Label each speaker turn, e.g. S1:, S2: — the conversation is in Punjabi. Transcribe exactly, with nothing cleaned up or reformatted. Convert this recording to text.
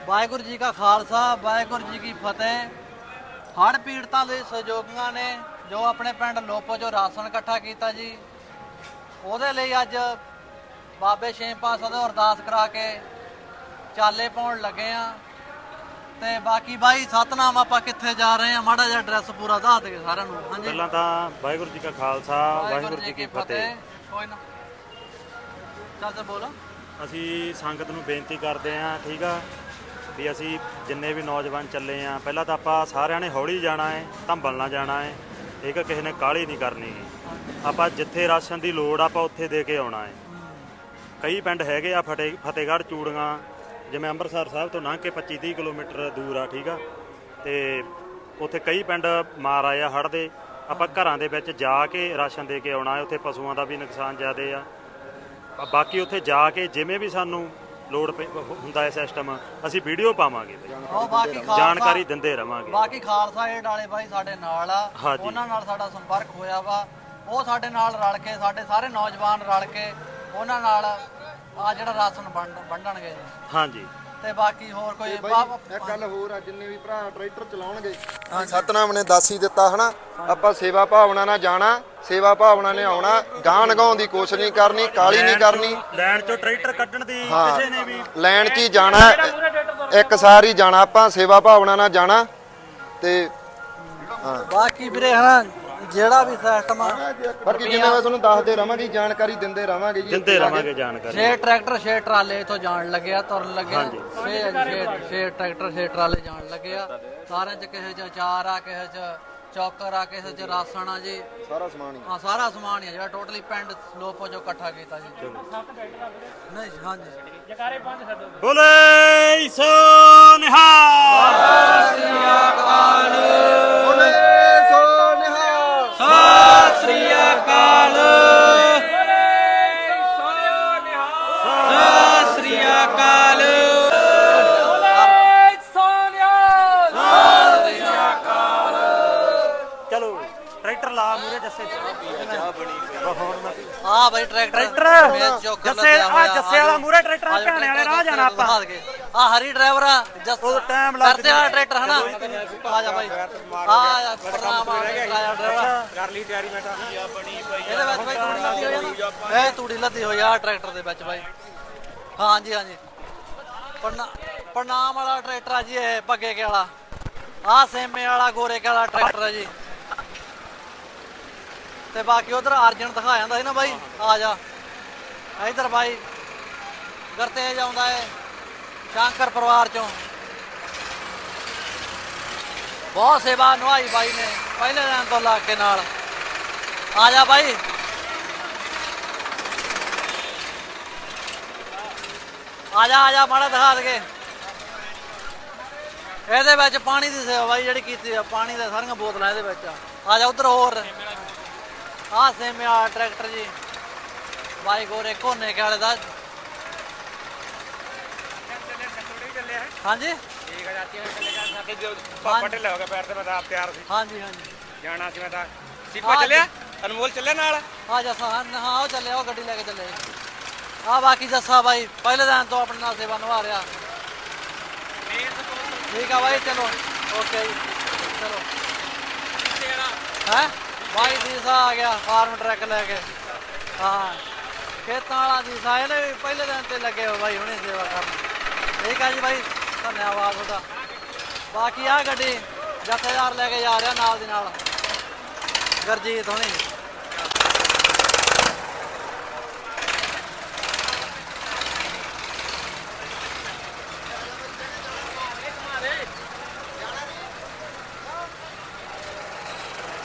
S1: ਵਾਹਿਗੁਰੂ ਜੀ ਕਾ ਖਾਲਸਾ ਵਾਹਿਗੁਰੂ ਜੀ ਕੀ ਫਤਿਹ। ਹੜ੍ਹ ਪੀੜਤਾਂ ਦੇ ਸਹਿਯੋਗੀਆਂ ਨੇ ਜੋ ਆਪਣੇ ਪਿੰਡ ਲੋਪੋ ਚੋਂ ਰਾਸ਼ਨ ਇਕੱਠਾ ਕੀਤਾ ਜੀ, ਉਹਦੇ ਲਈ ਅੱਜ ਬਾਬੇ ਛੇਮ ਪਾਤਸ਼ਾਹ ਤੋਂ ਅਰਦਾਸ ਕਰਾ ਕੇ ਚਾਲੇ ਪਾਉਣ ਲੱਗੇ ਆ। ਤੇ ਬਾਕੀ ਬਾਈ ਸਤਨਾਮ, ਆਪਾਂ ਕਿੱਥੇ ਜਾ ਰਹੇ ਆ, ਮਾੜਾ ਜਿਹਾ ਐਡਰੈਸ ਪੂਰਾ ਦੱਸ ਦੇ ਸਾਰਿਆਂ ਨੂੰ। ਹਾਂਜੀ,
S2: ਪਹਿਲਾਂ ਤਾਂ ਵਾਹਿਗੁਰੂ ਜੀ ਕਾ ਖਾਲਸਾ ਵਾਹਿਗੁਰੂ ਜੀ ਕੀ ਫਤਿਹ।
S1: ਕੋਈ ਨਾ ਚੱਲ ਤੇ ਬੋਲ।
S2: ਅਸੀਂ ਸੰਗਤ ਨੂੰ ਬੇਨਤੀ ਕਰਦੇ ਹਾਂ, ਠੀਕ ਆ ਵੀ ਅਸੀਂ ਜਿੰਨੇ ਵੀ ਨੌਜਵਾਨ ਚੱਲੇ ਆ, ਪਹਿਲਾਂ ਤਾਂ ਆਪਾਂ ਸਾਰਿਆਂ ਨੇ ਹੌਲੀ ਜਾਣਾ ਹੈ, ਧੰਬਲ ਨਾ ਜਾਣਾ ਹੈ, ਠੀਕ ਆ, ਕਿਸੇ ਨੇ ਕਾਹਲੀ ਨਹੀਂ ਕਰਨੀ ਗੀ। ਆਪਾਂ ਜਿੱਥੇ ਰਾਸ਼ਨ ਦੀ ਲੋੜ ਆਪਾਂ ਉੱਥੇ ਦੇ ਕੇ ਆਉਣਾ ਹੈ। ਕਈ ਪਿੰਡ ਹੈਗੇ ਆ ਫਤਿਹ ਫਤਿਹਗੜ੍ਹ ਚੂੜੀਆਂ, ਜਿਵੇਂ ਅੰਮ੍ਰਿਤਸਰ ਸਾਹਿਬ ਤੋਂ ਲੰਘ ਕੇ ਪੱਚੀ ਤੀਹ ਕਿਲੋਮੀਟਰ ਦੂਰ ਆ, ਠੀਕ ਆ, ਤੇ ਉੱਥੇ ਕਈ ਪਿੰਡ ਮਾਰ ਆਏ ਆ ਹੜ੍ਹ ਦੇ। ਆਪਾਂ ਘਰਾਂ ਦੇ ਵਿੱਚ ਜਾ ਕੇ ਰਾਸ਼ਨ ਦੇ ਕੇ ਆਉਣਾ ਹੈ। ਉੱਥੇ ਪਸ਼ੂਆਂ ਦਾ ਵੀ ਨੁਕਸਾਨ ਜ਼ਿਆਦਾ ਆ। ਬਾਕੀ ਉੱਥੇ ਜਾ ਕੇ ਜਿਵੇਂ ਵੀ ਸਾਨੂੰ ਲੋੜ ਹੁੰਦਾ ਹੈ ਸਿਸਟਮ, ਅਸੀਂ ਵੀਡੀਓ ਪਾਵਾਂਗੇ, ਜਾਣਕਾਰੀ ਦਿੰਦੇ ਰਵਾਂਗੇ।
S1: ਬਾਕੀ ਖਾਲਸਾ ਏਡ ਵਾਲੇ ਬਾਈ ਸਾਡੇ ਨਾਲ ਆ, ਉਹਨਾਂ ਨਾਲ ਸਾਡਾ ਸੰਪਰਕ ਹੋਇਆ ਵਾ। ਉਹ ਸਾਡੇ ਨਾਲ ਰਲ ਕੇ, ਸਾਡੇ ਸਾਰੇ ਨੌਜਵਾਨ ਰਲ ਕੇ ਉਹਨਾਂ ਨਾਲ ਆ ਜਿਹੜਾ ਰਾਸ਼ਨ ਵੰਡਣਗੇ।
S2: ਹਾਂਜੀ,
S1: ਤੇ ਬਾਕੀ ਹੋਰ ਕੋਈ
S3: ਇੱਕ ਗੱਲ ਹੋਰ ਆ, ਜਿੰਨੇ ਵੀ ਭਰਾ ਟਰੈਕਟਰ ਚਲਾਉਣਗੇ, ਸਤਨਾਮ ਨੇ ਦੱਸ ਹੀ ਦਿੱਤਾ ਹਨਾ, ਆਪਾਂ ਸੇਵਾ ਭਾਵਨਾ ਨਾਲ ਜਾਣਾ, ਸੇਵਾ ਭਾਵਨਾ ਨੇ ਆਉਣਾ, ਗਾਂ ਲਗਾਉਣ ਦੀ ਕੋਸ਼ਿਸ਼ ਨਹੀਂ ਕਰਨੀ, ਕਾਲੀ ਨਹੀਂ ਕਰਨੀ,
S2: ਲੈਣ ਚੋਂ ਟਰੈਕਟਰ ਕੱਢਣ ਦੀ ਕਿਸੇ ਨੇ ਵੀ
S3: ਲੈਣ 'ਚ ਹੀ ਜਾਣਾ, ਇੱਕ ਸਾਰ ਹੀ ਜਾਣਾ, ਆਪਾਂ ਸੇਵਾ ਭਾਵਨਾ ਨਾਲ ਜਾਣਾ। ਤੇ ਹਾਂ
S1: ਬਾਕੀ ਵੀਰੇ ਹਨਾ ਜਿਹੜਾ ਵੀ ਸਿਸਟਮ ਆ,
S3: ਬਾਕੀ ਜਿਵੇਂ ਮੈਂ ਤੁਹਾਨੂੰ ਦੱਸਦੇ ਰਵਾਂਗੇ, ਜਾਣਕਾਰੀ ਦਿੰਦੇ ਰਵਾਂਗੇ ਜੀ,
S2: ਦਿੰਦੇ ਰਵਾਂਗੇ ਜਾਣਕਾਰੀ।
S1: ਛੇ ਟਰੈਕਟਰ ਛੇ ਟਰਾਲੇ ਇਥੋਂ ਜਾਣ ਲੱਗਿਆ, ਤੁਰਨ ਲੱਗਿਆ। ਛੇ ਛੇ ਟਰੈਕਟਰ ਛੇ ਟਰਾਲੇ ਜਾਣ ਲੱਗਿਆ। ਸਾਰਿਆਂ 'ਚ ਕਿਸੇ 'ਚ ਅਚਾਰ ਆ, ਕਿਸੇ 'ਚ ਚੌਕਰ ਆ, ਕਿਸੇ 'ਚ ਰਾਸਣ ਆ ਜੀ,
S3: ਸਾਰਾ ਸਮਾਨ ਹੀ।
S1: ਹਾਂ ਸਾਰਾ ਸਮਾਨ ਹੀ ਆ ਜਿਹੜਾ ਟੋਟਲੀ ਪਿੰਡ ਲੋਪੋ ਚੋਂ ਇਕੱਠਾ ਕੀਤਾ ਜੀ। ਨਹੀਂ ਹਾਂਜੀ,
S4: ਜਕਾਰੇ ਪੰਜ ਛੱਡੋ।
S2: ਬੋਲੇ ਸੋ ਨਿਹਾਲ,
S1: ਸਤਿ ਸ੍ਰੀ ਅਕਾਲ,
S3: ਬੋਲੇ ਸੋ ਨਿਹਾਲ,
S1: ਸਤਿ ਸ੍ਰੀ ਅਕਾਲ, ਸਤਿ ਸ੍ਰੀ ਅਕਾਲ,
S2: ਚਲੋ ਟਰੈਕਟਰ ਲਾ ਮੂਰੇ ਜੱਸੇ
S1: ਆ ਬਾਈ ਟਰੈਕਟਰ
S2: ਜੱਸੇ ਆ ਜੱਸੇ ਵਾਲਾ ਮੂਰੇ ਟਰੈਕਟਰ ਆ, ਭੈਣੇ ਵਾਲੇ ਰਾਹ ਜਾਣਾ ਆਪਾਂ।
S1: ਆ ਹਰੀ ਡਰਾਈਵਰ ਆ ਜੱਸ
S2: ਟਾਈਮ ਲੱਗ
S1: ਕਰਤੇ ਵਾਲਾ ਟਰੈਕਟਰ ਹਨਾ। ਆ ਜਾ ਬਾਈ, ਆ ਪ੍ਰਣਾਮ ਆ ਡਰਾਈਵਰ,
S2: ਕਰ ਲਈ ਤਿਆਰੀ। ਮੈਂ ਤਾਂ
S1: ਇਹਦੇ ਵਿੱਚ ਬਾਈ ਤੂੜੀ ਲੱਦੀ ਹੋਈ ਆ ਨਾ, ਇਹ ਤੂੜੀ ਲੱਦੀ ਹੋਈ ਆ ਟਰੈਕਟਰ ਦੇ ਵਿੱਚ ਬਾਈ। ਹਾਂਜੀ ਹਾਂਜੀ, ਪ੍ਰਣਾਮ ਵਾਲਾ ਟਰੈਕਟਰ ਆ ਜੀ ਇਹ, ਭੱਗੇ ਕੇ ਵਾਲਾ। ਆ ਸੇਮੇ ਵਾਲਾ ਗੋਰੇ ਕੇ ਵਾਲਾ ਟਰੈਕਟਰ ਆ ਜੀ। ਤੇ ਬਾਕੀ ਉਧਰ ਅਰਜਨ ਦਿਖਾ ਜਾਂਦਾ ਸੀ ਨਾ ਬਾਈ, ਆ ਜਾ ਇਧਰ ਬਾਈ ਗਰਤੇਜ ਆਉਂਦਾ ਹੈ ਸ਼ੰਕਰ ਪਰਿਵਾਰ ਚੋਂ। ਬਹੁਤ ਸੇਵਾ ਨਿਭਾਈ ਬਾਈ ਨੇ ਪਹਿਲੇ ਦਿਨ ਤੋਂ ਲਾ ਕੇ ਨਾਲ। ਆ ਜਾ ਬਾਈ, ਆ ਜਾ ਆ ਜਾ, ਮਾੜਾ ਦਿਖਾ ਦਗੇ। ਇਹਦੇ ਵਿੱਚ ਪਾਣੀ ਦੀ ਸੇਵਾ ਬਾਈ ਜਿਹੜੀ ਕੀਤੀ ਆ, ਪਾਣੀ ਦੇ ਸਾਰੀਆਂ ਬੋਤਲਾਂ ਇਹਦੇ ਵਿੱਚ। ਆ ਜਾ ਉਧਰ ਹੋਰ ਆ ਸੇਮੇ ਵਾਲਾ ਟਰੈਕਟਰ ਜੀ, ਬਾਈ ਗੋਰੇ ਕੋਨੇ ਕੇ ਵਾਲੇ ਦਾ। ਹਾਂਜੀ
S4: ਪਟੇ ਹੋ ਗਿਆ ਪੈਰ ਤੇ, ਮੈਂ ਤਾਂ ਆਪ ਤਿਆਰ ਸੀ,
S1: ਹਾਂਜੀ ਹਾਂਜੀ
S4: ਜਾਣਾ ਸੀ। ਮੈਂ ਤਾਂ ਸੀਪਾ ਚੱਲਿਆ, ਅਨਮੋਲ ਚੱਲਿਆ ਨਾਲ।
S1: ਆ ਜੱਸਾ, ਹਾਂ ਉਹ ਚੱਲਿਆ, ਉਹ ਗੱਡੀ ਲੈ ਕੇ ਚੱਲੇ ਆ। ਬਾਕੀ ਜੱਸਾ ਬਾਈ ਪਹਿਲੇ ਦਿਨ ਤੋਂ ਆਪਣੇ ਨਾਲ ਸੇਵਾ ਨਿਭਾ ਰਿਹਾ। ਠੀਕ ਆ ਬਾਈ, ਚਲੋ ਓਕੇ ਜੀ, ਚਲੋ। ਹੈ ਬਾਈ ਦੀਸਾ ਆ ਗਿਆ ਫਾਰਮ ਟਰੱਕ ਲੈ ਕੇ। ਹਾਂ ਖੇਤਾਂ ਵਾਲਾ ਦੀਸਾ, ਇਹਨੇ ਵੀ ਪਹਿਲੇ ਦਿਨ ਤੇ ਲੱਗੇ ਹੋ ਬਾਈ ਹੁਣੇ ਸੇਵਾ ਕਰਨ। ਠੀਕ ਆ ਜੀ ਬਾਈ, ਧੰਨਵਾਦ ਤੁਹਾਡਾ। ਬਾਕੀ ਆ ਗੱਡੀ ਜਥੇਦਾਰ ਲੈ ਕੇ ਜਾ ਰਿਹਾ ਨਾਲ ਦੀ ਨਾਲ, ਗੁਰਜੀਤ ਹੁਣੀ।